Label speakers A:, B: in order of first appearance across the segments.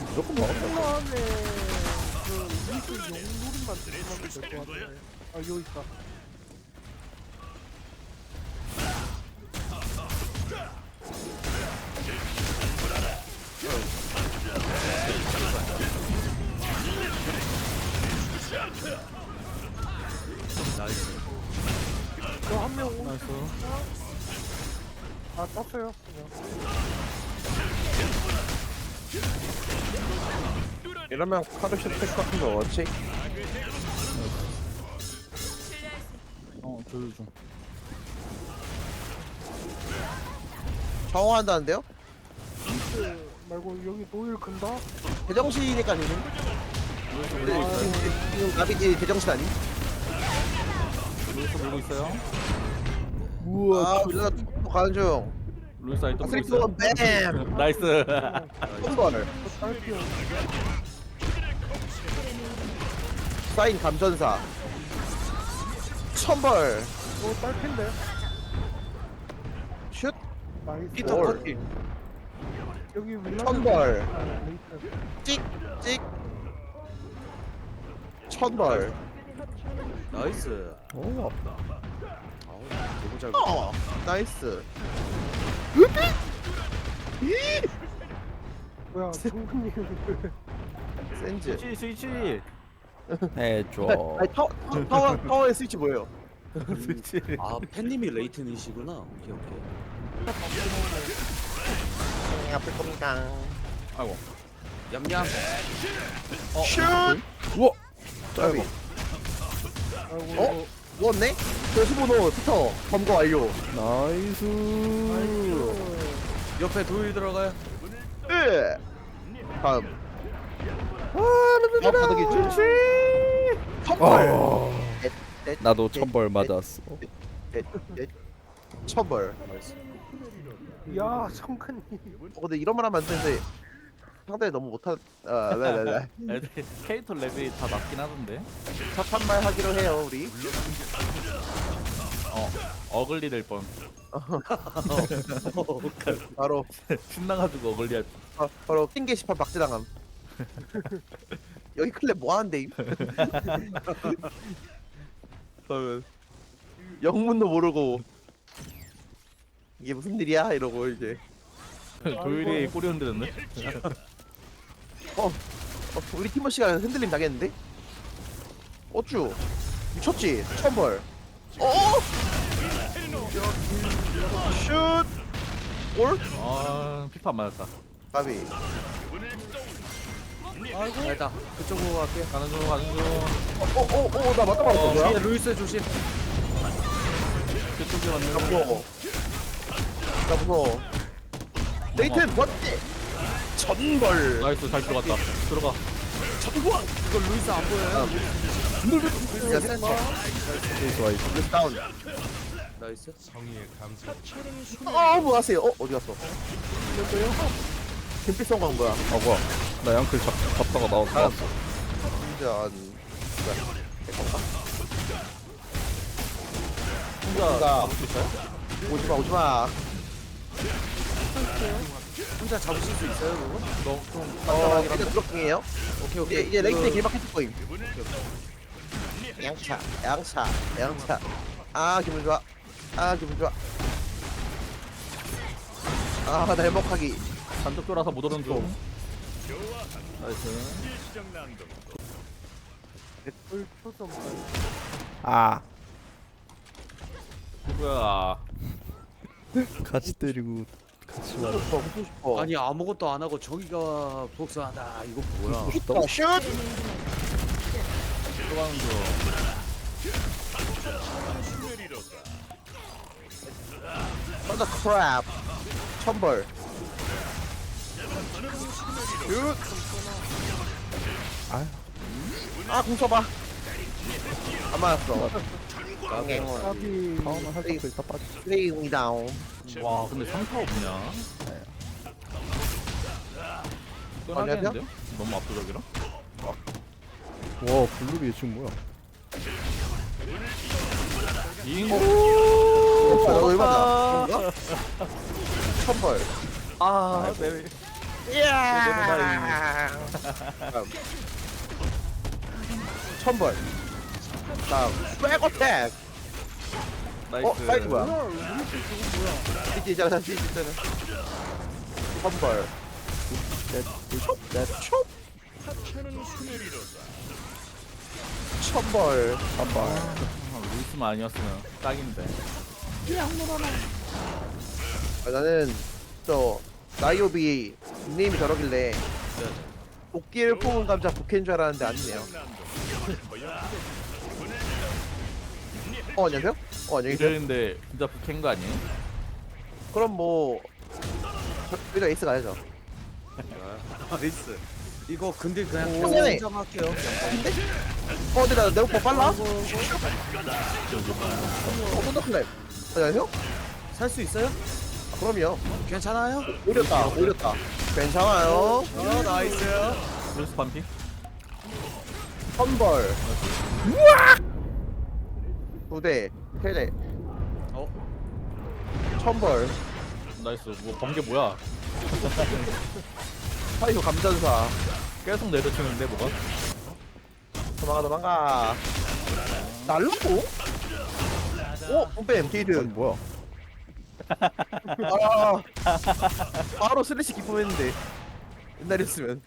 A: 무조건 먹었다.
B: 안에 그 미스 용물만 들어가면 될 것 같아. 아 여기 있다.
C: 나이스.
B: 저한명 오.
A: 나이스.
B: 아 땄어요. 그냥.
A: 이러면 카르시 택 같은 거 어찌?
D: 조율 중.
A: 정화한다는데요?
B: 미스 말고 여기 노일 근다.
A: 대정신이니까 지금. 지금 나비지 대정신 아니?
D: 루이스 물고 있어요.
A: 아, 우리가 또 가는 중.
D: 루이스 아이 또 물고
A: 스리프
D: 있어요.
A: 뱀.
D: 나이스.
A: 콤벌.
B: 딸피어.
A: 사인 감전사. 천벌.
B: 오 딸핀데.
A: 슛.
B: 나이스.
A: 피터 커티.
B: 여기 윌라.
A: 천벌.
B: 레이트.
A: 찍. 찍. 천벌.
C: 나이스.
A: 오.
C: 아우 너무 잘.
A: 나이스.
B: 뭐야 정근님.
A: 센즈.
D: 스위치.
E: 해줘.
A: 아니 파워의 스위치 뭐예요?
D: 스위치.
C: 아 팬님이 레이튼이시구나. 오케이 오케이.
A: 아플 겁니다.
D: 아이고.
C: 얌얌.
A: 슛.
E: 우와.
A: 짧이.
B: 아이고
A: 어? 누웠네? 저 15도 피터 검거 완료.
E: 나이스.
C: 옆에 도일 들어가요.
A: 으. 다음. 바닥이 쭈치. 천벌.
E: 나도 천벌 맞았어.
A: 천벌.
B: 야 정근님.
A: 근데 이런 말 하면 안 되는데 상당히 너무 못하. 네네네.
D: 애들 캐릭터 레벨이 다 낮긴 하던데.
A: 착한 말 하기로 해요 우리.
D: 어글리 될 뻔.
A: 바로
D: 신나가지고 어글리 할 뻔.
A: 바로 핑 게시판 박제당함. 여기 클랩 뭐 하는데? 그러면 영문도 모르고 이게 무슨 일이야 이러고 이제
D: 조율이 꼬리 흔들었네.
A: 우리 팀워시가 흔들림 당했는데? 어쭈 미쳤지? 천벌. 슛! 골?
D: 아 피파 안 맞았다.
A: 가비.
C: 일단 그쪽으로 갈게요.
D: 가는 중.
A: 나 맞다 말았어 뭐야?
C: 뒤에 루이스 조심.
D: 그쪽에
A: 나
D: 왔는.
A: 무서워. 나 무서워. 레이튼 멋지! 천벌.
D: 나이스 잘 들어갔다. 들어가.
A: 천벌!
C: 이거 루이스 안 보여요?
A: 야 센터.
E: 좋아 이거.
A: 루스 다운.
C: 나이스.
A: 뭐 하세요? 어디 갔어? 김필 성광 뭐야?
E: 뭐야? 나 양클 잡다가 나왔어.
A: 진짜
D: 혼자
A: 오지마 오지마.
C: 혼자 잡으실 수 있어요 그거?
A: 일단 드롭킹이에요.
C: 오케이 오케이.
A: 이제 레이튼의 길막 거임. 양차. 아 기분 좋아. 나 행복하기.
D: 단독 돌아서 못 오는 중. 나이스.
B: 을 초점.
E: 아.
D: 누구야?
E: 같이 때리고 같이 와.
A: 무서워 싶어.
C: 아니 아무것도 안 하고 저기가 복수하다. 이거 뭐야?
A: 슛!
D: 들어가는 중.
A: 썬더 크랩. 천벌. 슛! 공 써봐. 안 맞았어.
B: 아비.
E: 다음은 할때 다 빠지.
A: 플레이공이 다운.
D: 와 근데 상타 없냐? 떠나겠는데요? 너무 압도적이라?
E: 와 블루비 지금 뭐야?
A: 너 얼마나? 천벌.
D: 아, 네.
A: 이야. 천벌. 다음 백어택.
D: 나이스.
A: 사이드 뭐야?
B: 뭐야 루이스 저거 뭐야?
A: CG 있잖아, CG 있잖아. 천벌. 천벌.
E: 한발
D: 루이스만 아니었으면 딱인데.
A: 나는 저 나이오비 닉네임이 저러길래 도끼를 뽑은 감자 부캐인 줄 알았는데 아니네요. 안녕하세요? 안녕히 계세요.
D: 이랬는데 진짜 북한 거 아니에요?
A: 그럼 뭐 저희가 에이스 가야죠.
C: 나이스. 이거 근데 그냥
A: 오.
C: 계속 인정할게요.
A: 근데 나 내 오빠 빨라? 콘더클랩. 안녕하세요?
C: 살 수 있어요?
A: 아, 그럼요.
C: 괜찮아요?
A: 올렸다, 올렸다. 괜찮아요.
C: 나이스.
D: 루이스 반피?
A: 선벌. 부대. 테레.
C: 어?
A: 천벌.
D: 나이스. 뭐 번개 뭐야?
A: 파이브 감전사.
D: 계속 내려치는데 뭐가?
A: 도망가 도망가. 날라고? 뿜뱀 게이드.
E: 아니 뭐야
A: 아, 바로 슬래시 기쁨했는데 옛날이었으면.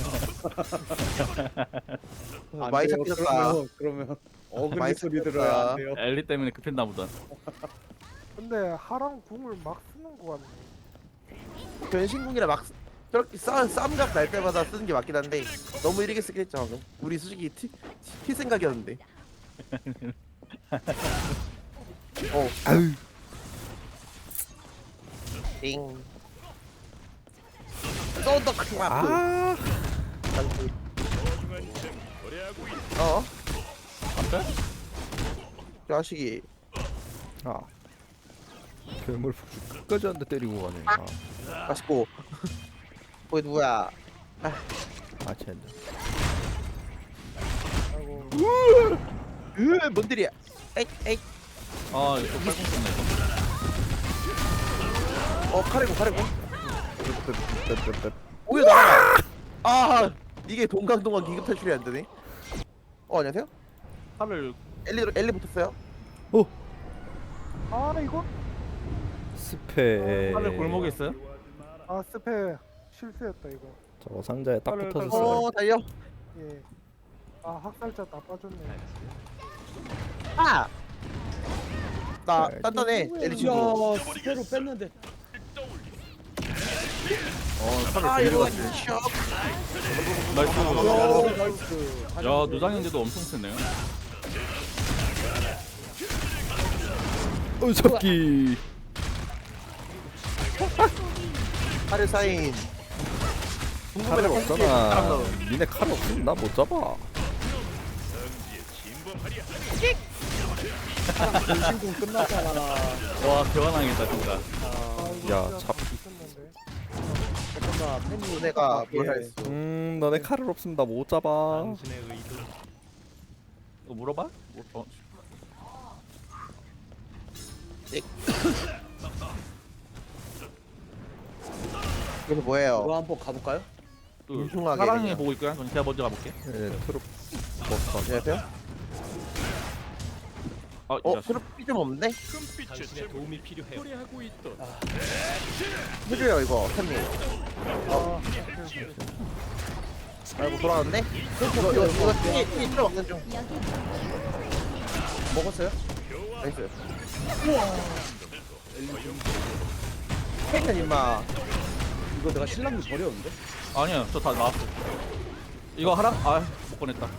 A: 많이 잡히셨다.
C: 그러면
A: 많이
C: 어금니 소리 들어야 안 돼요.
D: 엘리 때문에 급했나 보다.
B: 근데 하랑 궁을 막 쓰는 거 같네.
A: 변신궁이라 막 저렇게 쌈각 날 때마다 쓰는 게 맞긴 한데 너무 이르게 쓰긴 했죠 방금. 우리 솔직히 티 생각이었는데.
E: 아유
A: 띵. 썬더 크라프.
E: 아
D: 앞에?
A: 자식이.
E: 아. 괴물 폭주 끝까지 한대 때리고 가네
A: 맛있고. 거기 누구야?
E: 아 쟤는
B: 아이고
A: 뭔들이야? 에이 에이.
D: 아 이거 팔꿈 썼네 이거.
A: 카레고.
E: 뻬뻬뻬뻬.
A: 오히려 나가. 아 이게 동강동강 기급 탈출이 안 되네. 안녕하세요?
D: 팔을
A: 엘리 붙었어요?
B: 아 이거
E: 스페
D: 팔을 골목에 있어요?
B: 아 스페 실수였다 이거.
E: 저거 상자에 딱
B: 빨리,
E: 붙어졌어요
A: 달려.
B: 예. 아 학살자 다 빠졌네.
A: 아. 나
E: 네,
A: 단단해. 엘리 친구.
C: 야 스페로 뺐는데.
D: 팔을
A: 아
D: 돌리고
A: 이거
D: 갔네.
A: 셔.
D: 나이스.
C: 나이스.
D: 야 누장인데도 엄청 세네요.
E: 새끼
A: 카레 사인.
E: 칼을 없잖아 니네 칼 없으면 나 못 잡아
C: 변신공 끝났잖아.
D: 와 대환왕이다 진짜.
B: 아 이거
E: 야,
B: 진짜
E: 잡-
B: 다 미쳤는데.
C: 잠깐만 팬이
A: 내가 뭘 했어?
E: 너네 칼을 없으면 나 못 잡아
D: 이거 물어봐?
A: 이거 뭐예요?
C: 이거 한번 가볼까요?
A: 뭉퉁하게
D: 사랑해
A: 그냥.
D: 보고 있고요. 그럼 제가 먼저 가볼게.
E: 트롭 버스
A: 안녕하세요?
D: 아, 이 자식.
A: 트로피 좀 없는데?
F: 당신의 도움이 필요해요. 노래하고 있던
A: 해줘요 이거 팬님.
B: 아
A: 아이고 돌아왔네? 이거 티 필요 없는 중.
C: 먹었어요?
A: 나이스. 팬은 임마.
C: 이거 내가 신랑님 버렸는데?
D: 아니야, 저 다 나왔어. 이거 하라? 아, 못 꺼냈다.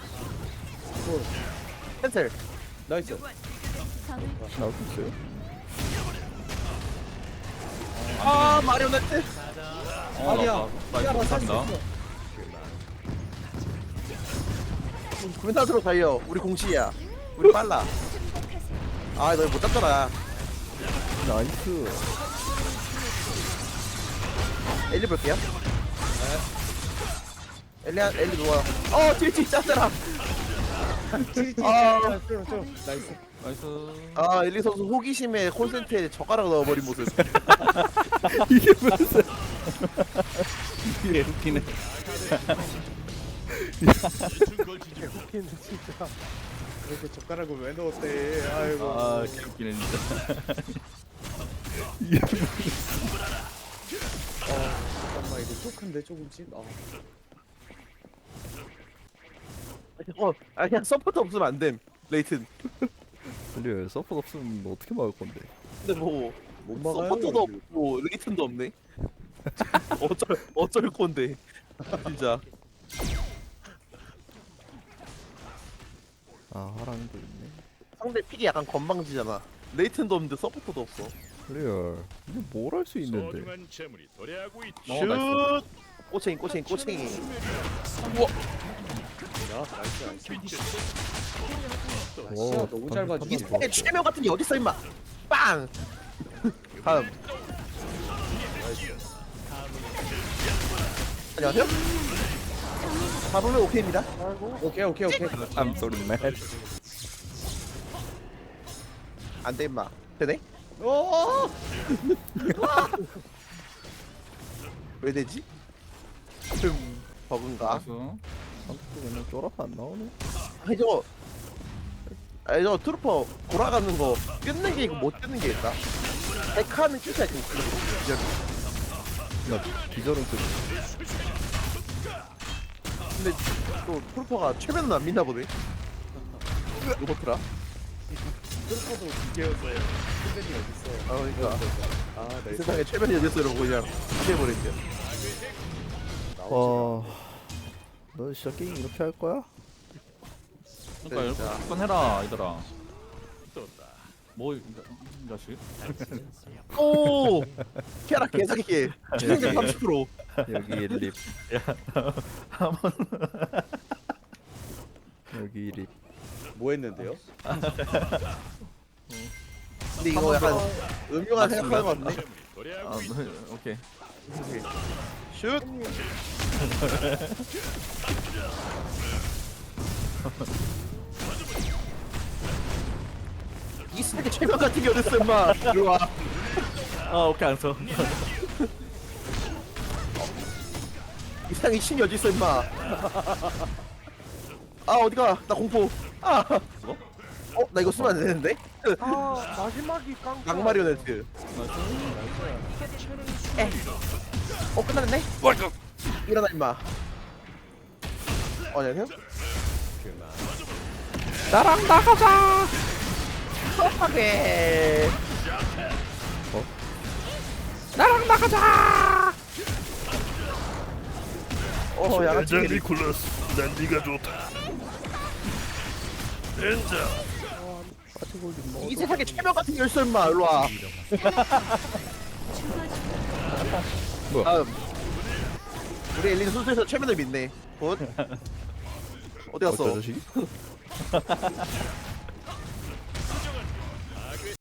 A: 캔슬.
C: 나이스.
E: 나올 수 있어요?
A: 아 마리오네트.
C: 아니야.
D: 나이스,
C: 야나 살수
D: 감사합니다.
C: 있어.
A: 군사수로 달려. 우리 공시야. 우리 빨라. 아 너 못 잡잖아.
E: 나이스
A: 엘리 볼게요. 엘리 누워요. 틸 짰잖아. 아.
C: 나이스.
D: 나이스.
A: 아 엘리 선수 호기심에 콘센트에 젓가락 넣어버린 모습.
E: 이게 무슨 예, 웃기네.
B: 웃기는 진짜. 그렇게 젓가락을 왜 넣었대? 아이고.
E: 아, 개웃기네 진짜.
C: 잠깐만 이거 쪽한데 조금씩.
A: 그냥 서포트 없으면 안 됨. 레이튼.
E: 근데 서포트 없으면 뭐 어떻게 막을 건데?
A: 근데 뭐
C: 못 막아요.
A: 서포트도 없고 레이튼도 없네. 어쩔 건데. 진짜.
E: 아, 화랑도 있네.
A: 상대 픽이 약간 건방지잖아. 레이튼도 없는데 서포트도 없어.
E: 리얼. 근데 뭘 할 수 있는데?
F: 소중한 재물이 도래하고 있다.
A: 슛! 꼬챙이 꼬챙이 꼬챙이.
C: 야 나이스 나이스.
E: 오,
C: 시야 너무 짧아
A: 이
C: 지금.
A: 세계 최명 같은 게 어딨어 임마. 빵! 다음. 안녕하세요. 잡으면 오케이입니다.
C: 오케이.
E: I'm sorry, man.
A: 안돼 임마. 되네? 왜 되지? 버그인가?
D: 나이스.
E: 한국도 그냥 쫄아서 안 나오네.
A: 저 트루퍼 돌아가는 거 끊는 게 있고 못 끊는 게 있다. 백화는 진짜 좀
E: 나 기절은 그
A: 근데 또 트루퍼가 최면은 안 믿나 보네. 로버트라.
C: 트루퍼도 기계였어요. 스벤이 어딨어?
A: 그러니까
C: 아
A: 이
C: 나이스.
A: 세상에 최면이 어딨어 이러고 그냥 피해버렸죠.
E: 너 진짜 게임 이렇게 할 거야?
D: 그러니까
A: 진짜.
D: 이렇게 한번 해라 얘들아. 뭐 이 자식?
A: 오! 캐라 개사기게 최생전 30%.
E: 여기 립. 여기 립.
C: 뭐 했는데요?
A: 근데 이거 약간 음흉한 생각하는 거 같네.
D: 아, 네, 오케이.
A: 슛! 이 세계 최면 같은 게 어딨어 임마. 이리 와.
D: 아, 오케이 안 써.
A: 이 세상에 신이 어딨어 임마. 아 어디가 나 공포. 나 이거 쓰면 안 되는데?
B: 아 마지막이 깡.
A: 악마리오네트. 끝났네? 일어나 임마. 안녕하세요?
E: 나랑 나가자.
A: 급하게.
E: 나랑 나가자.
A: 야간치
G: 니콜라스, 난 네가 좋다. 렌자.
A: 이 세상에 최면 같은 게 있어 임마. 일로 와.
E: 뭐야?
A: 다음. 우리 엘린 순수에서 최면을 믿네. 굿. 어디 갔어?
E: 어쩌 자식이?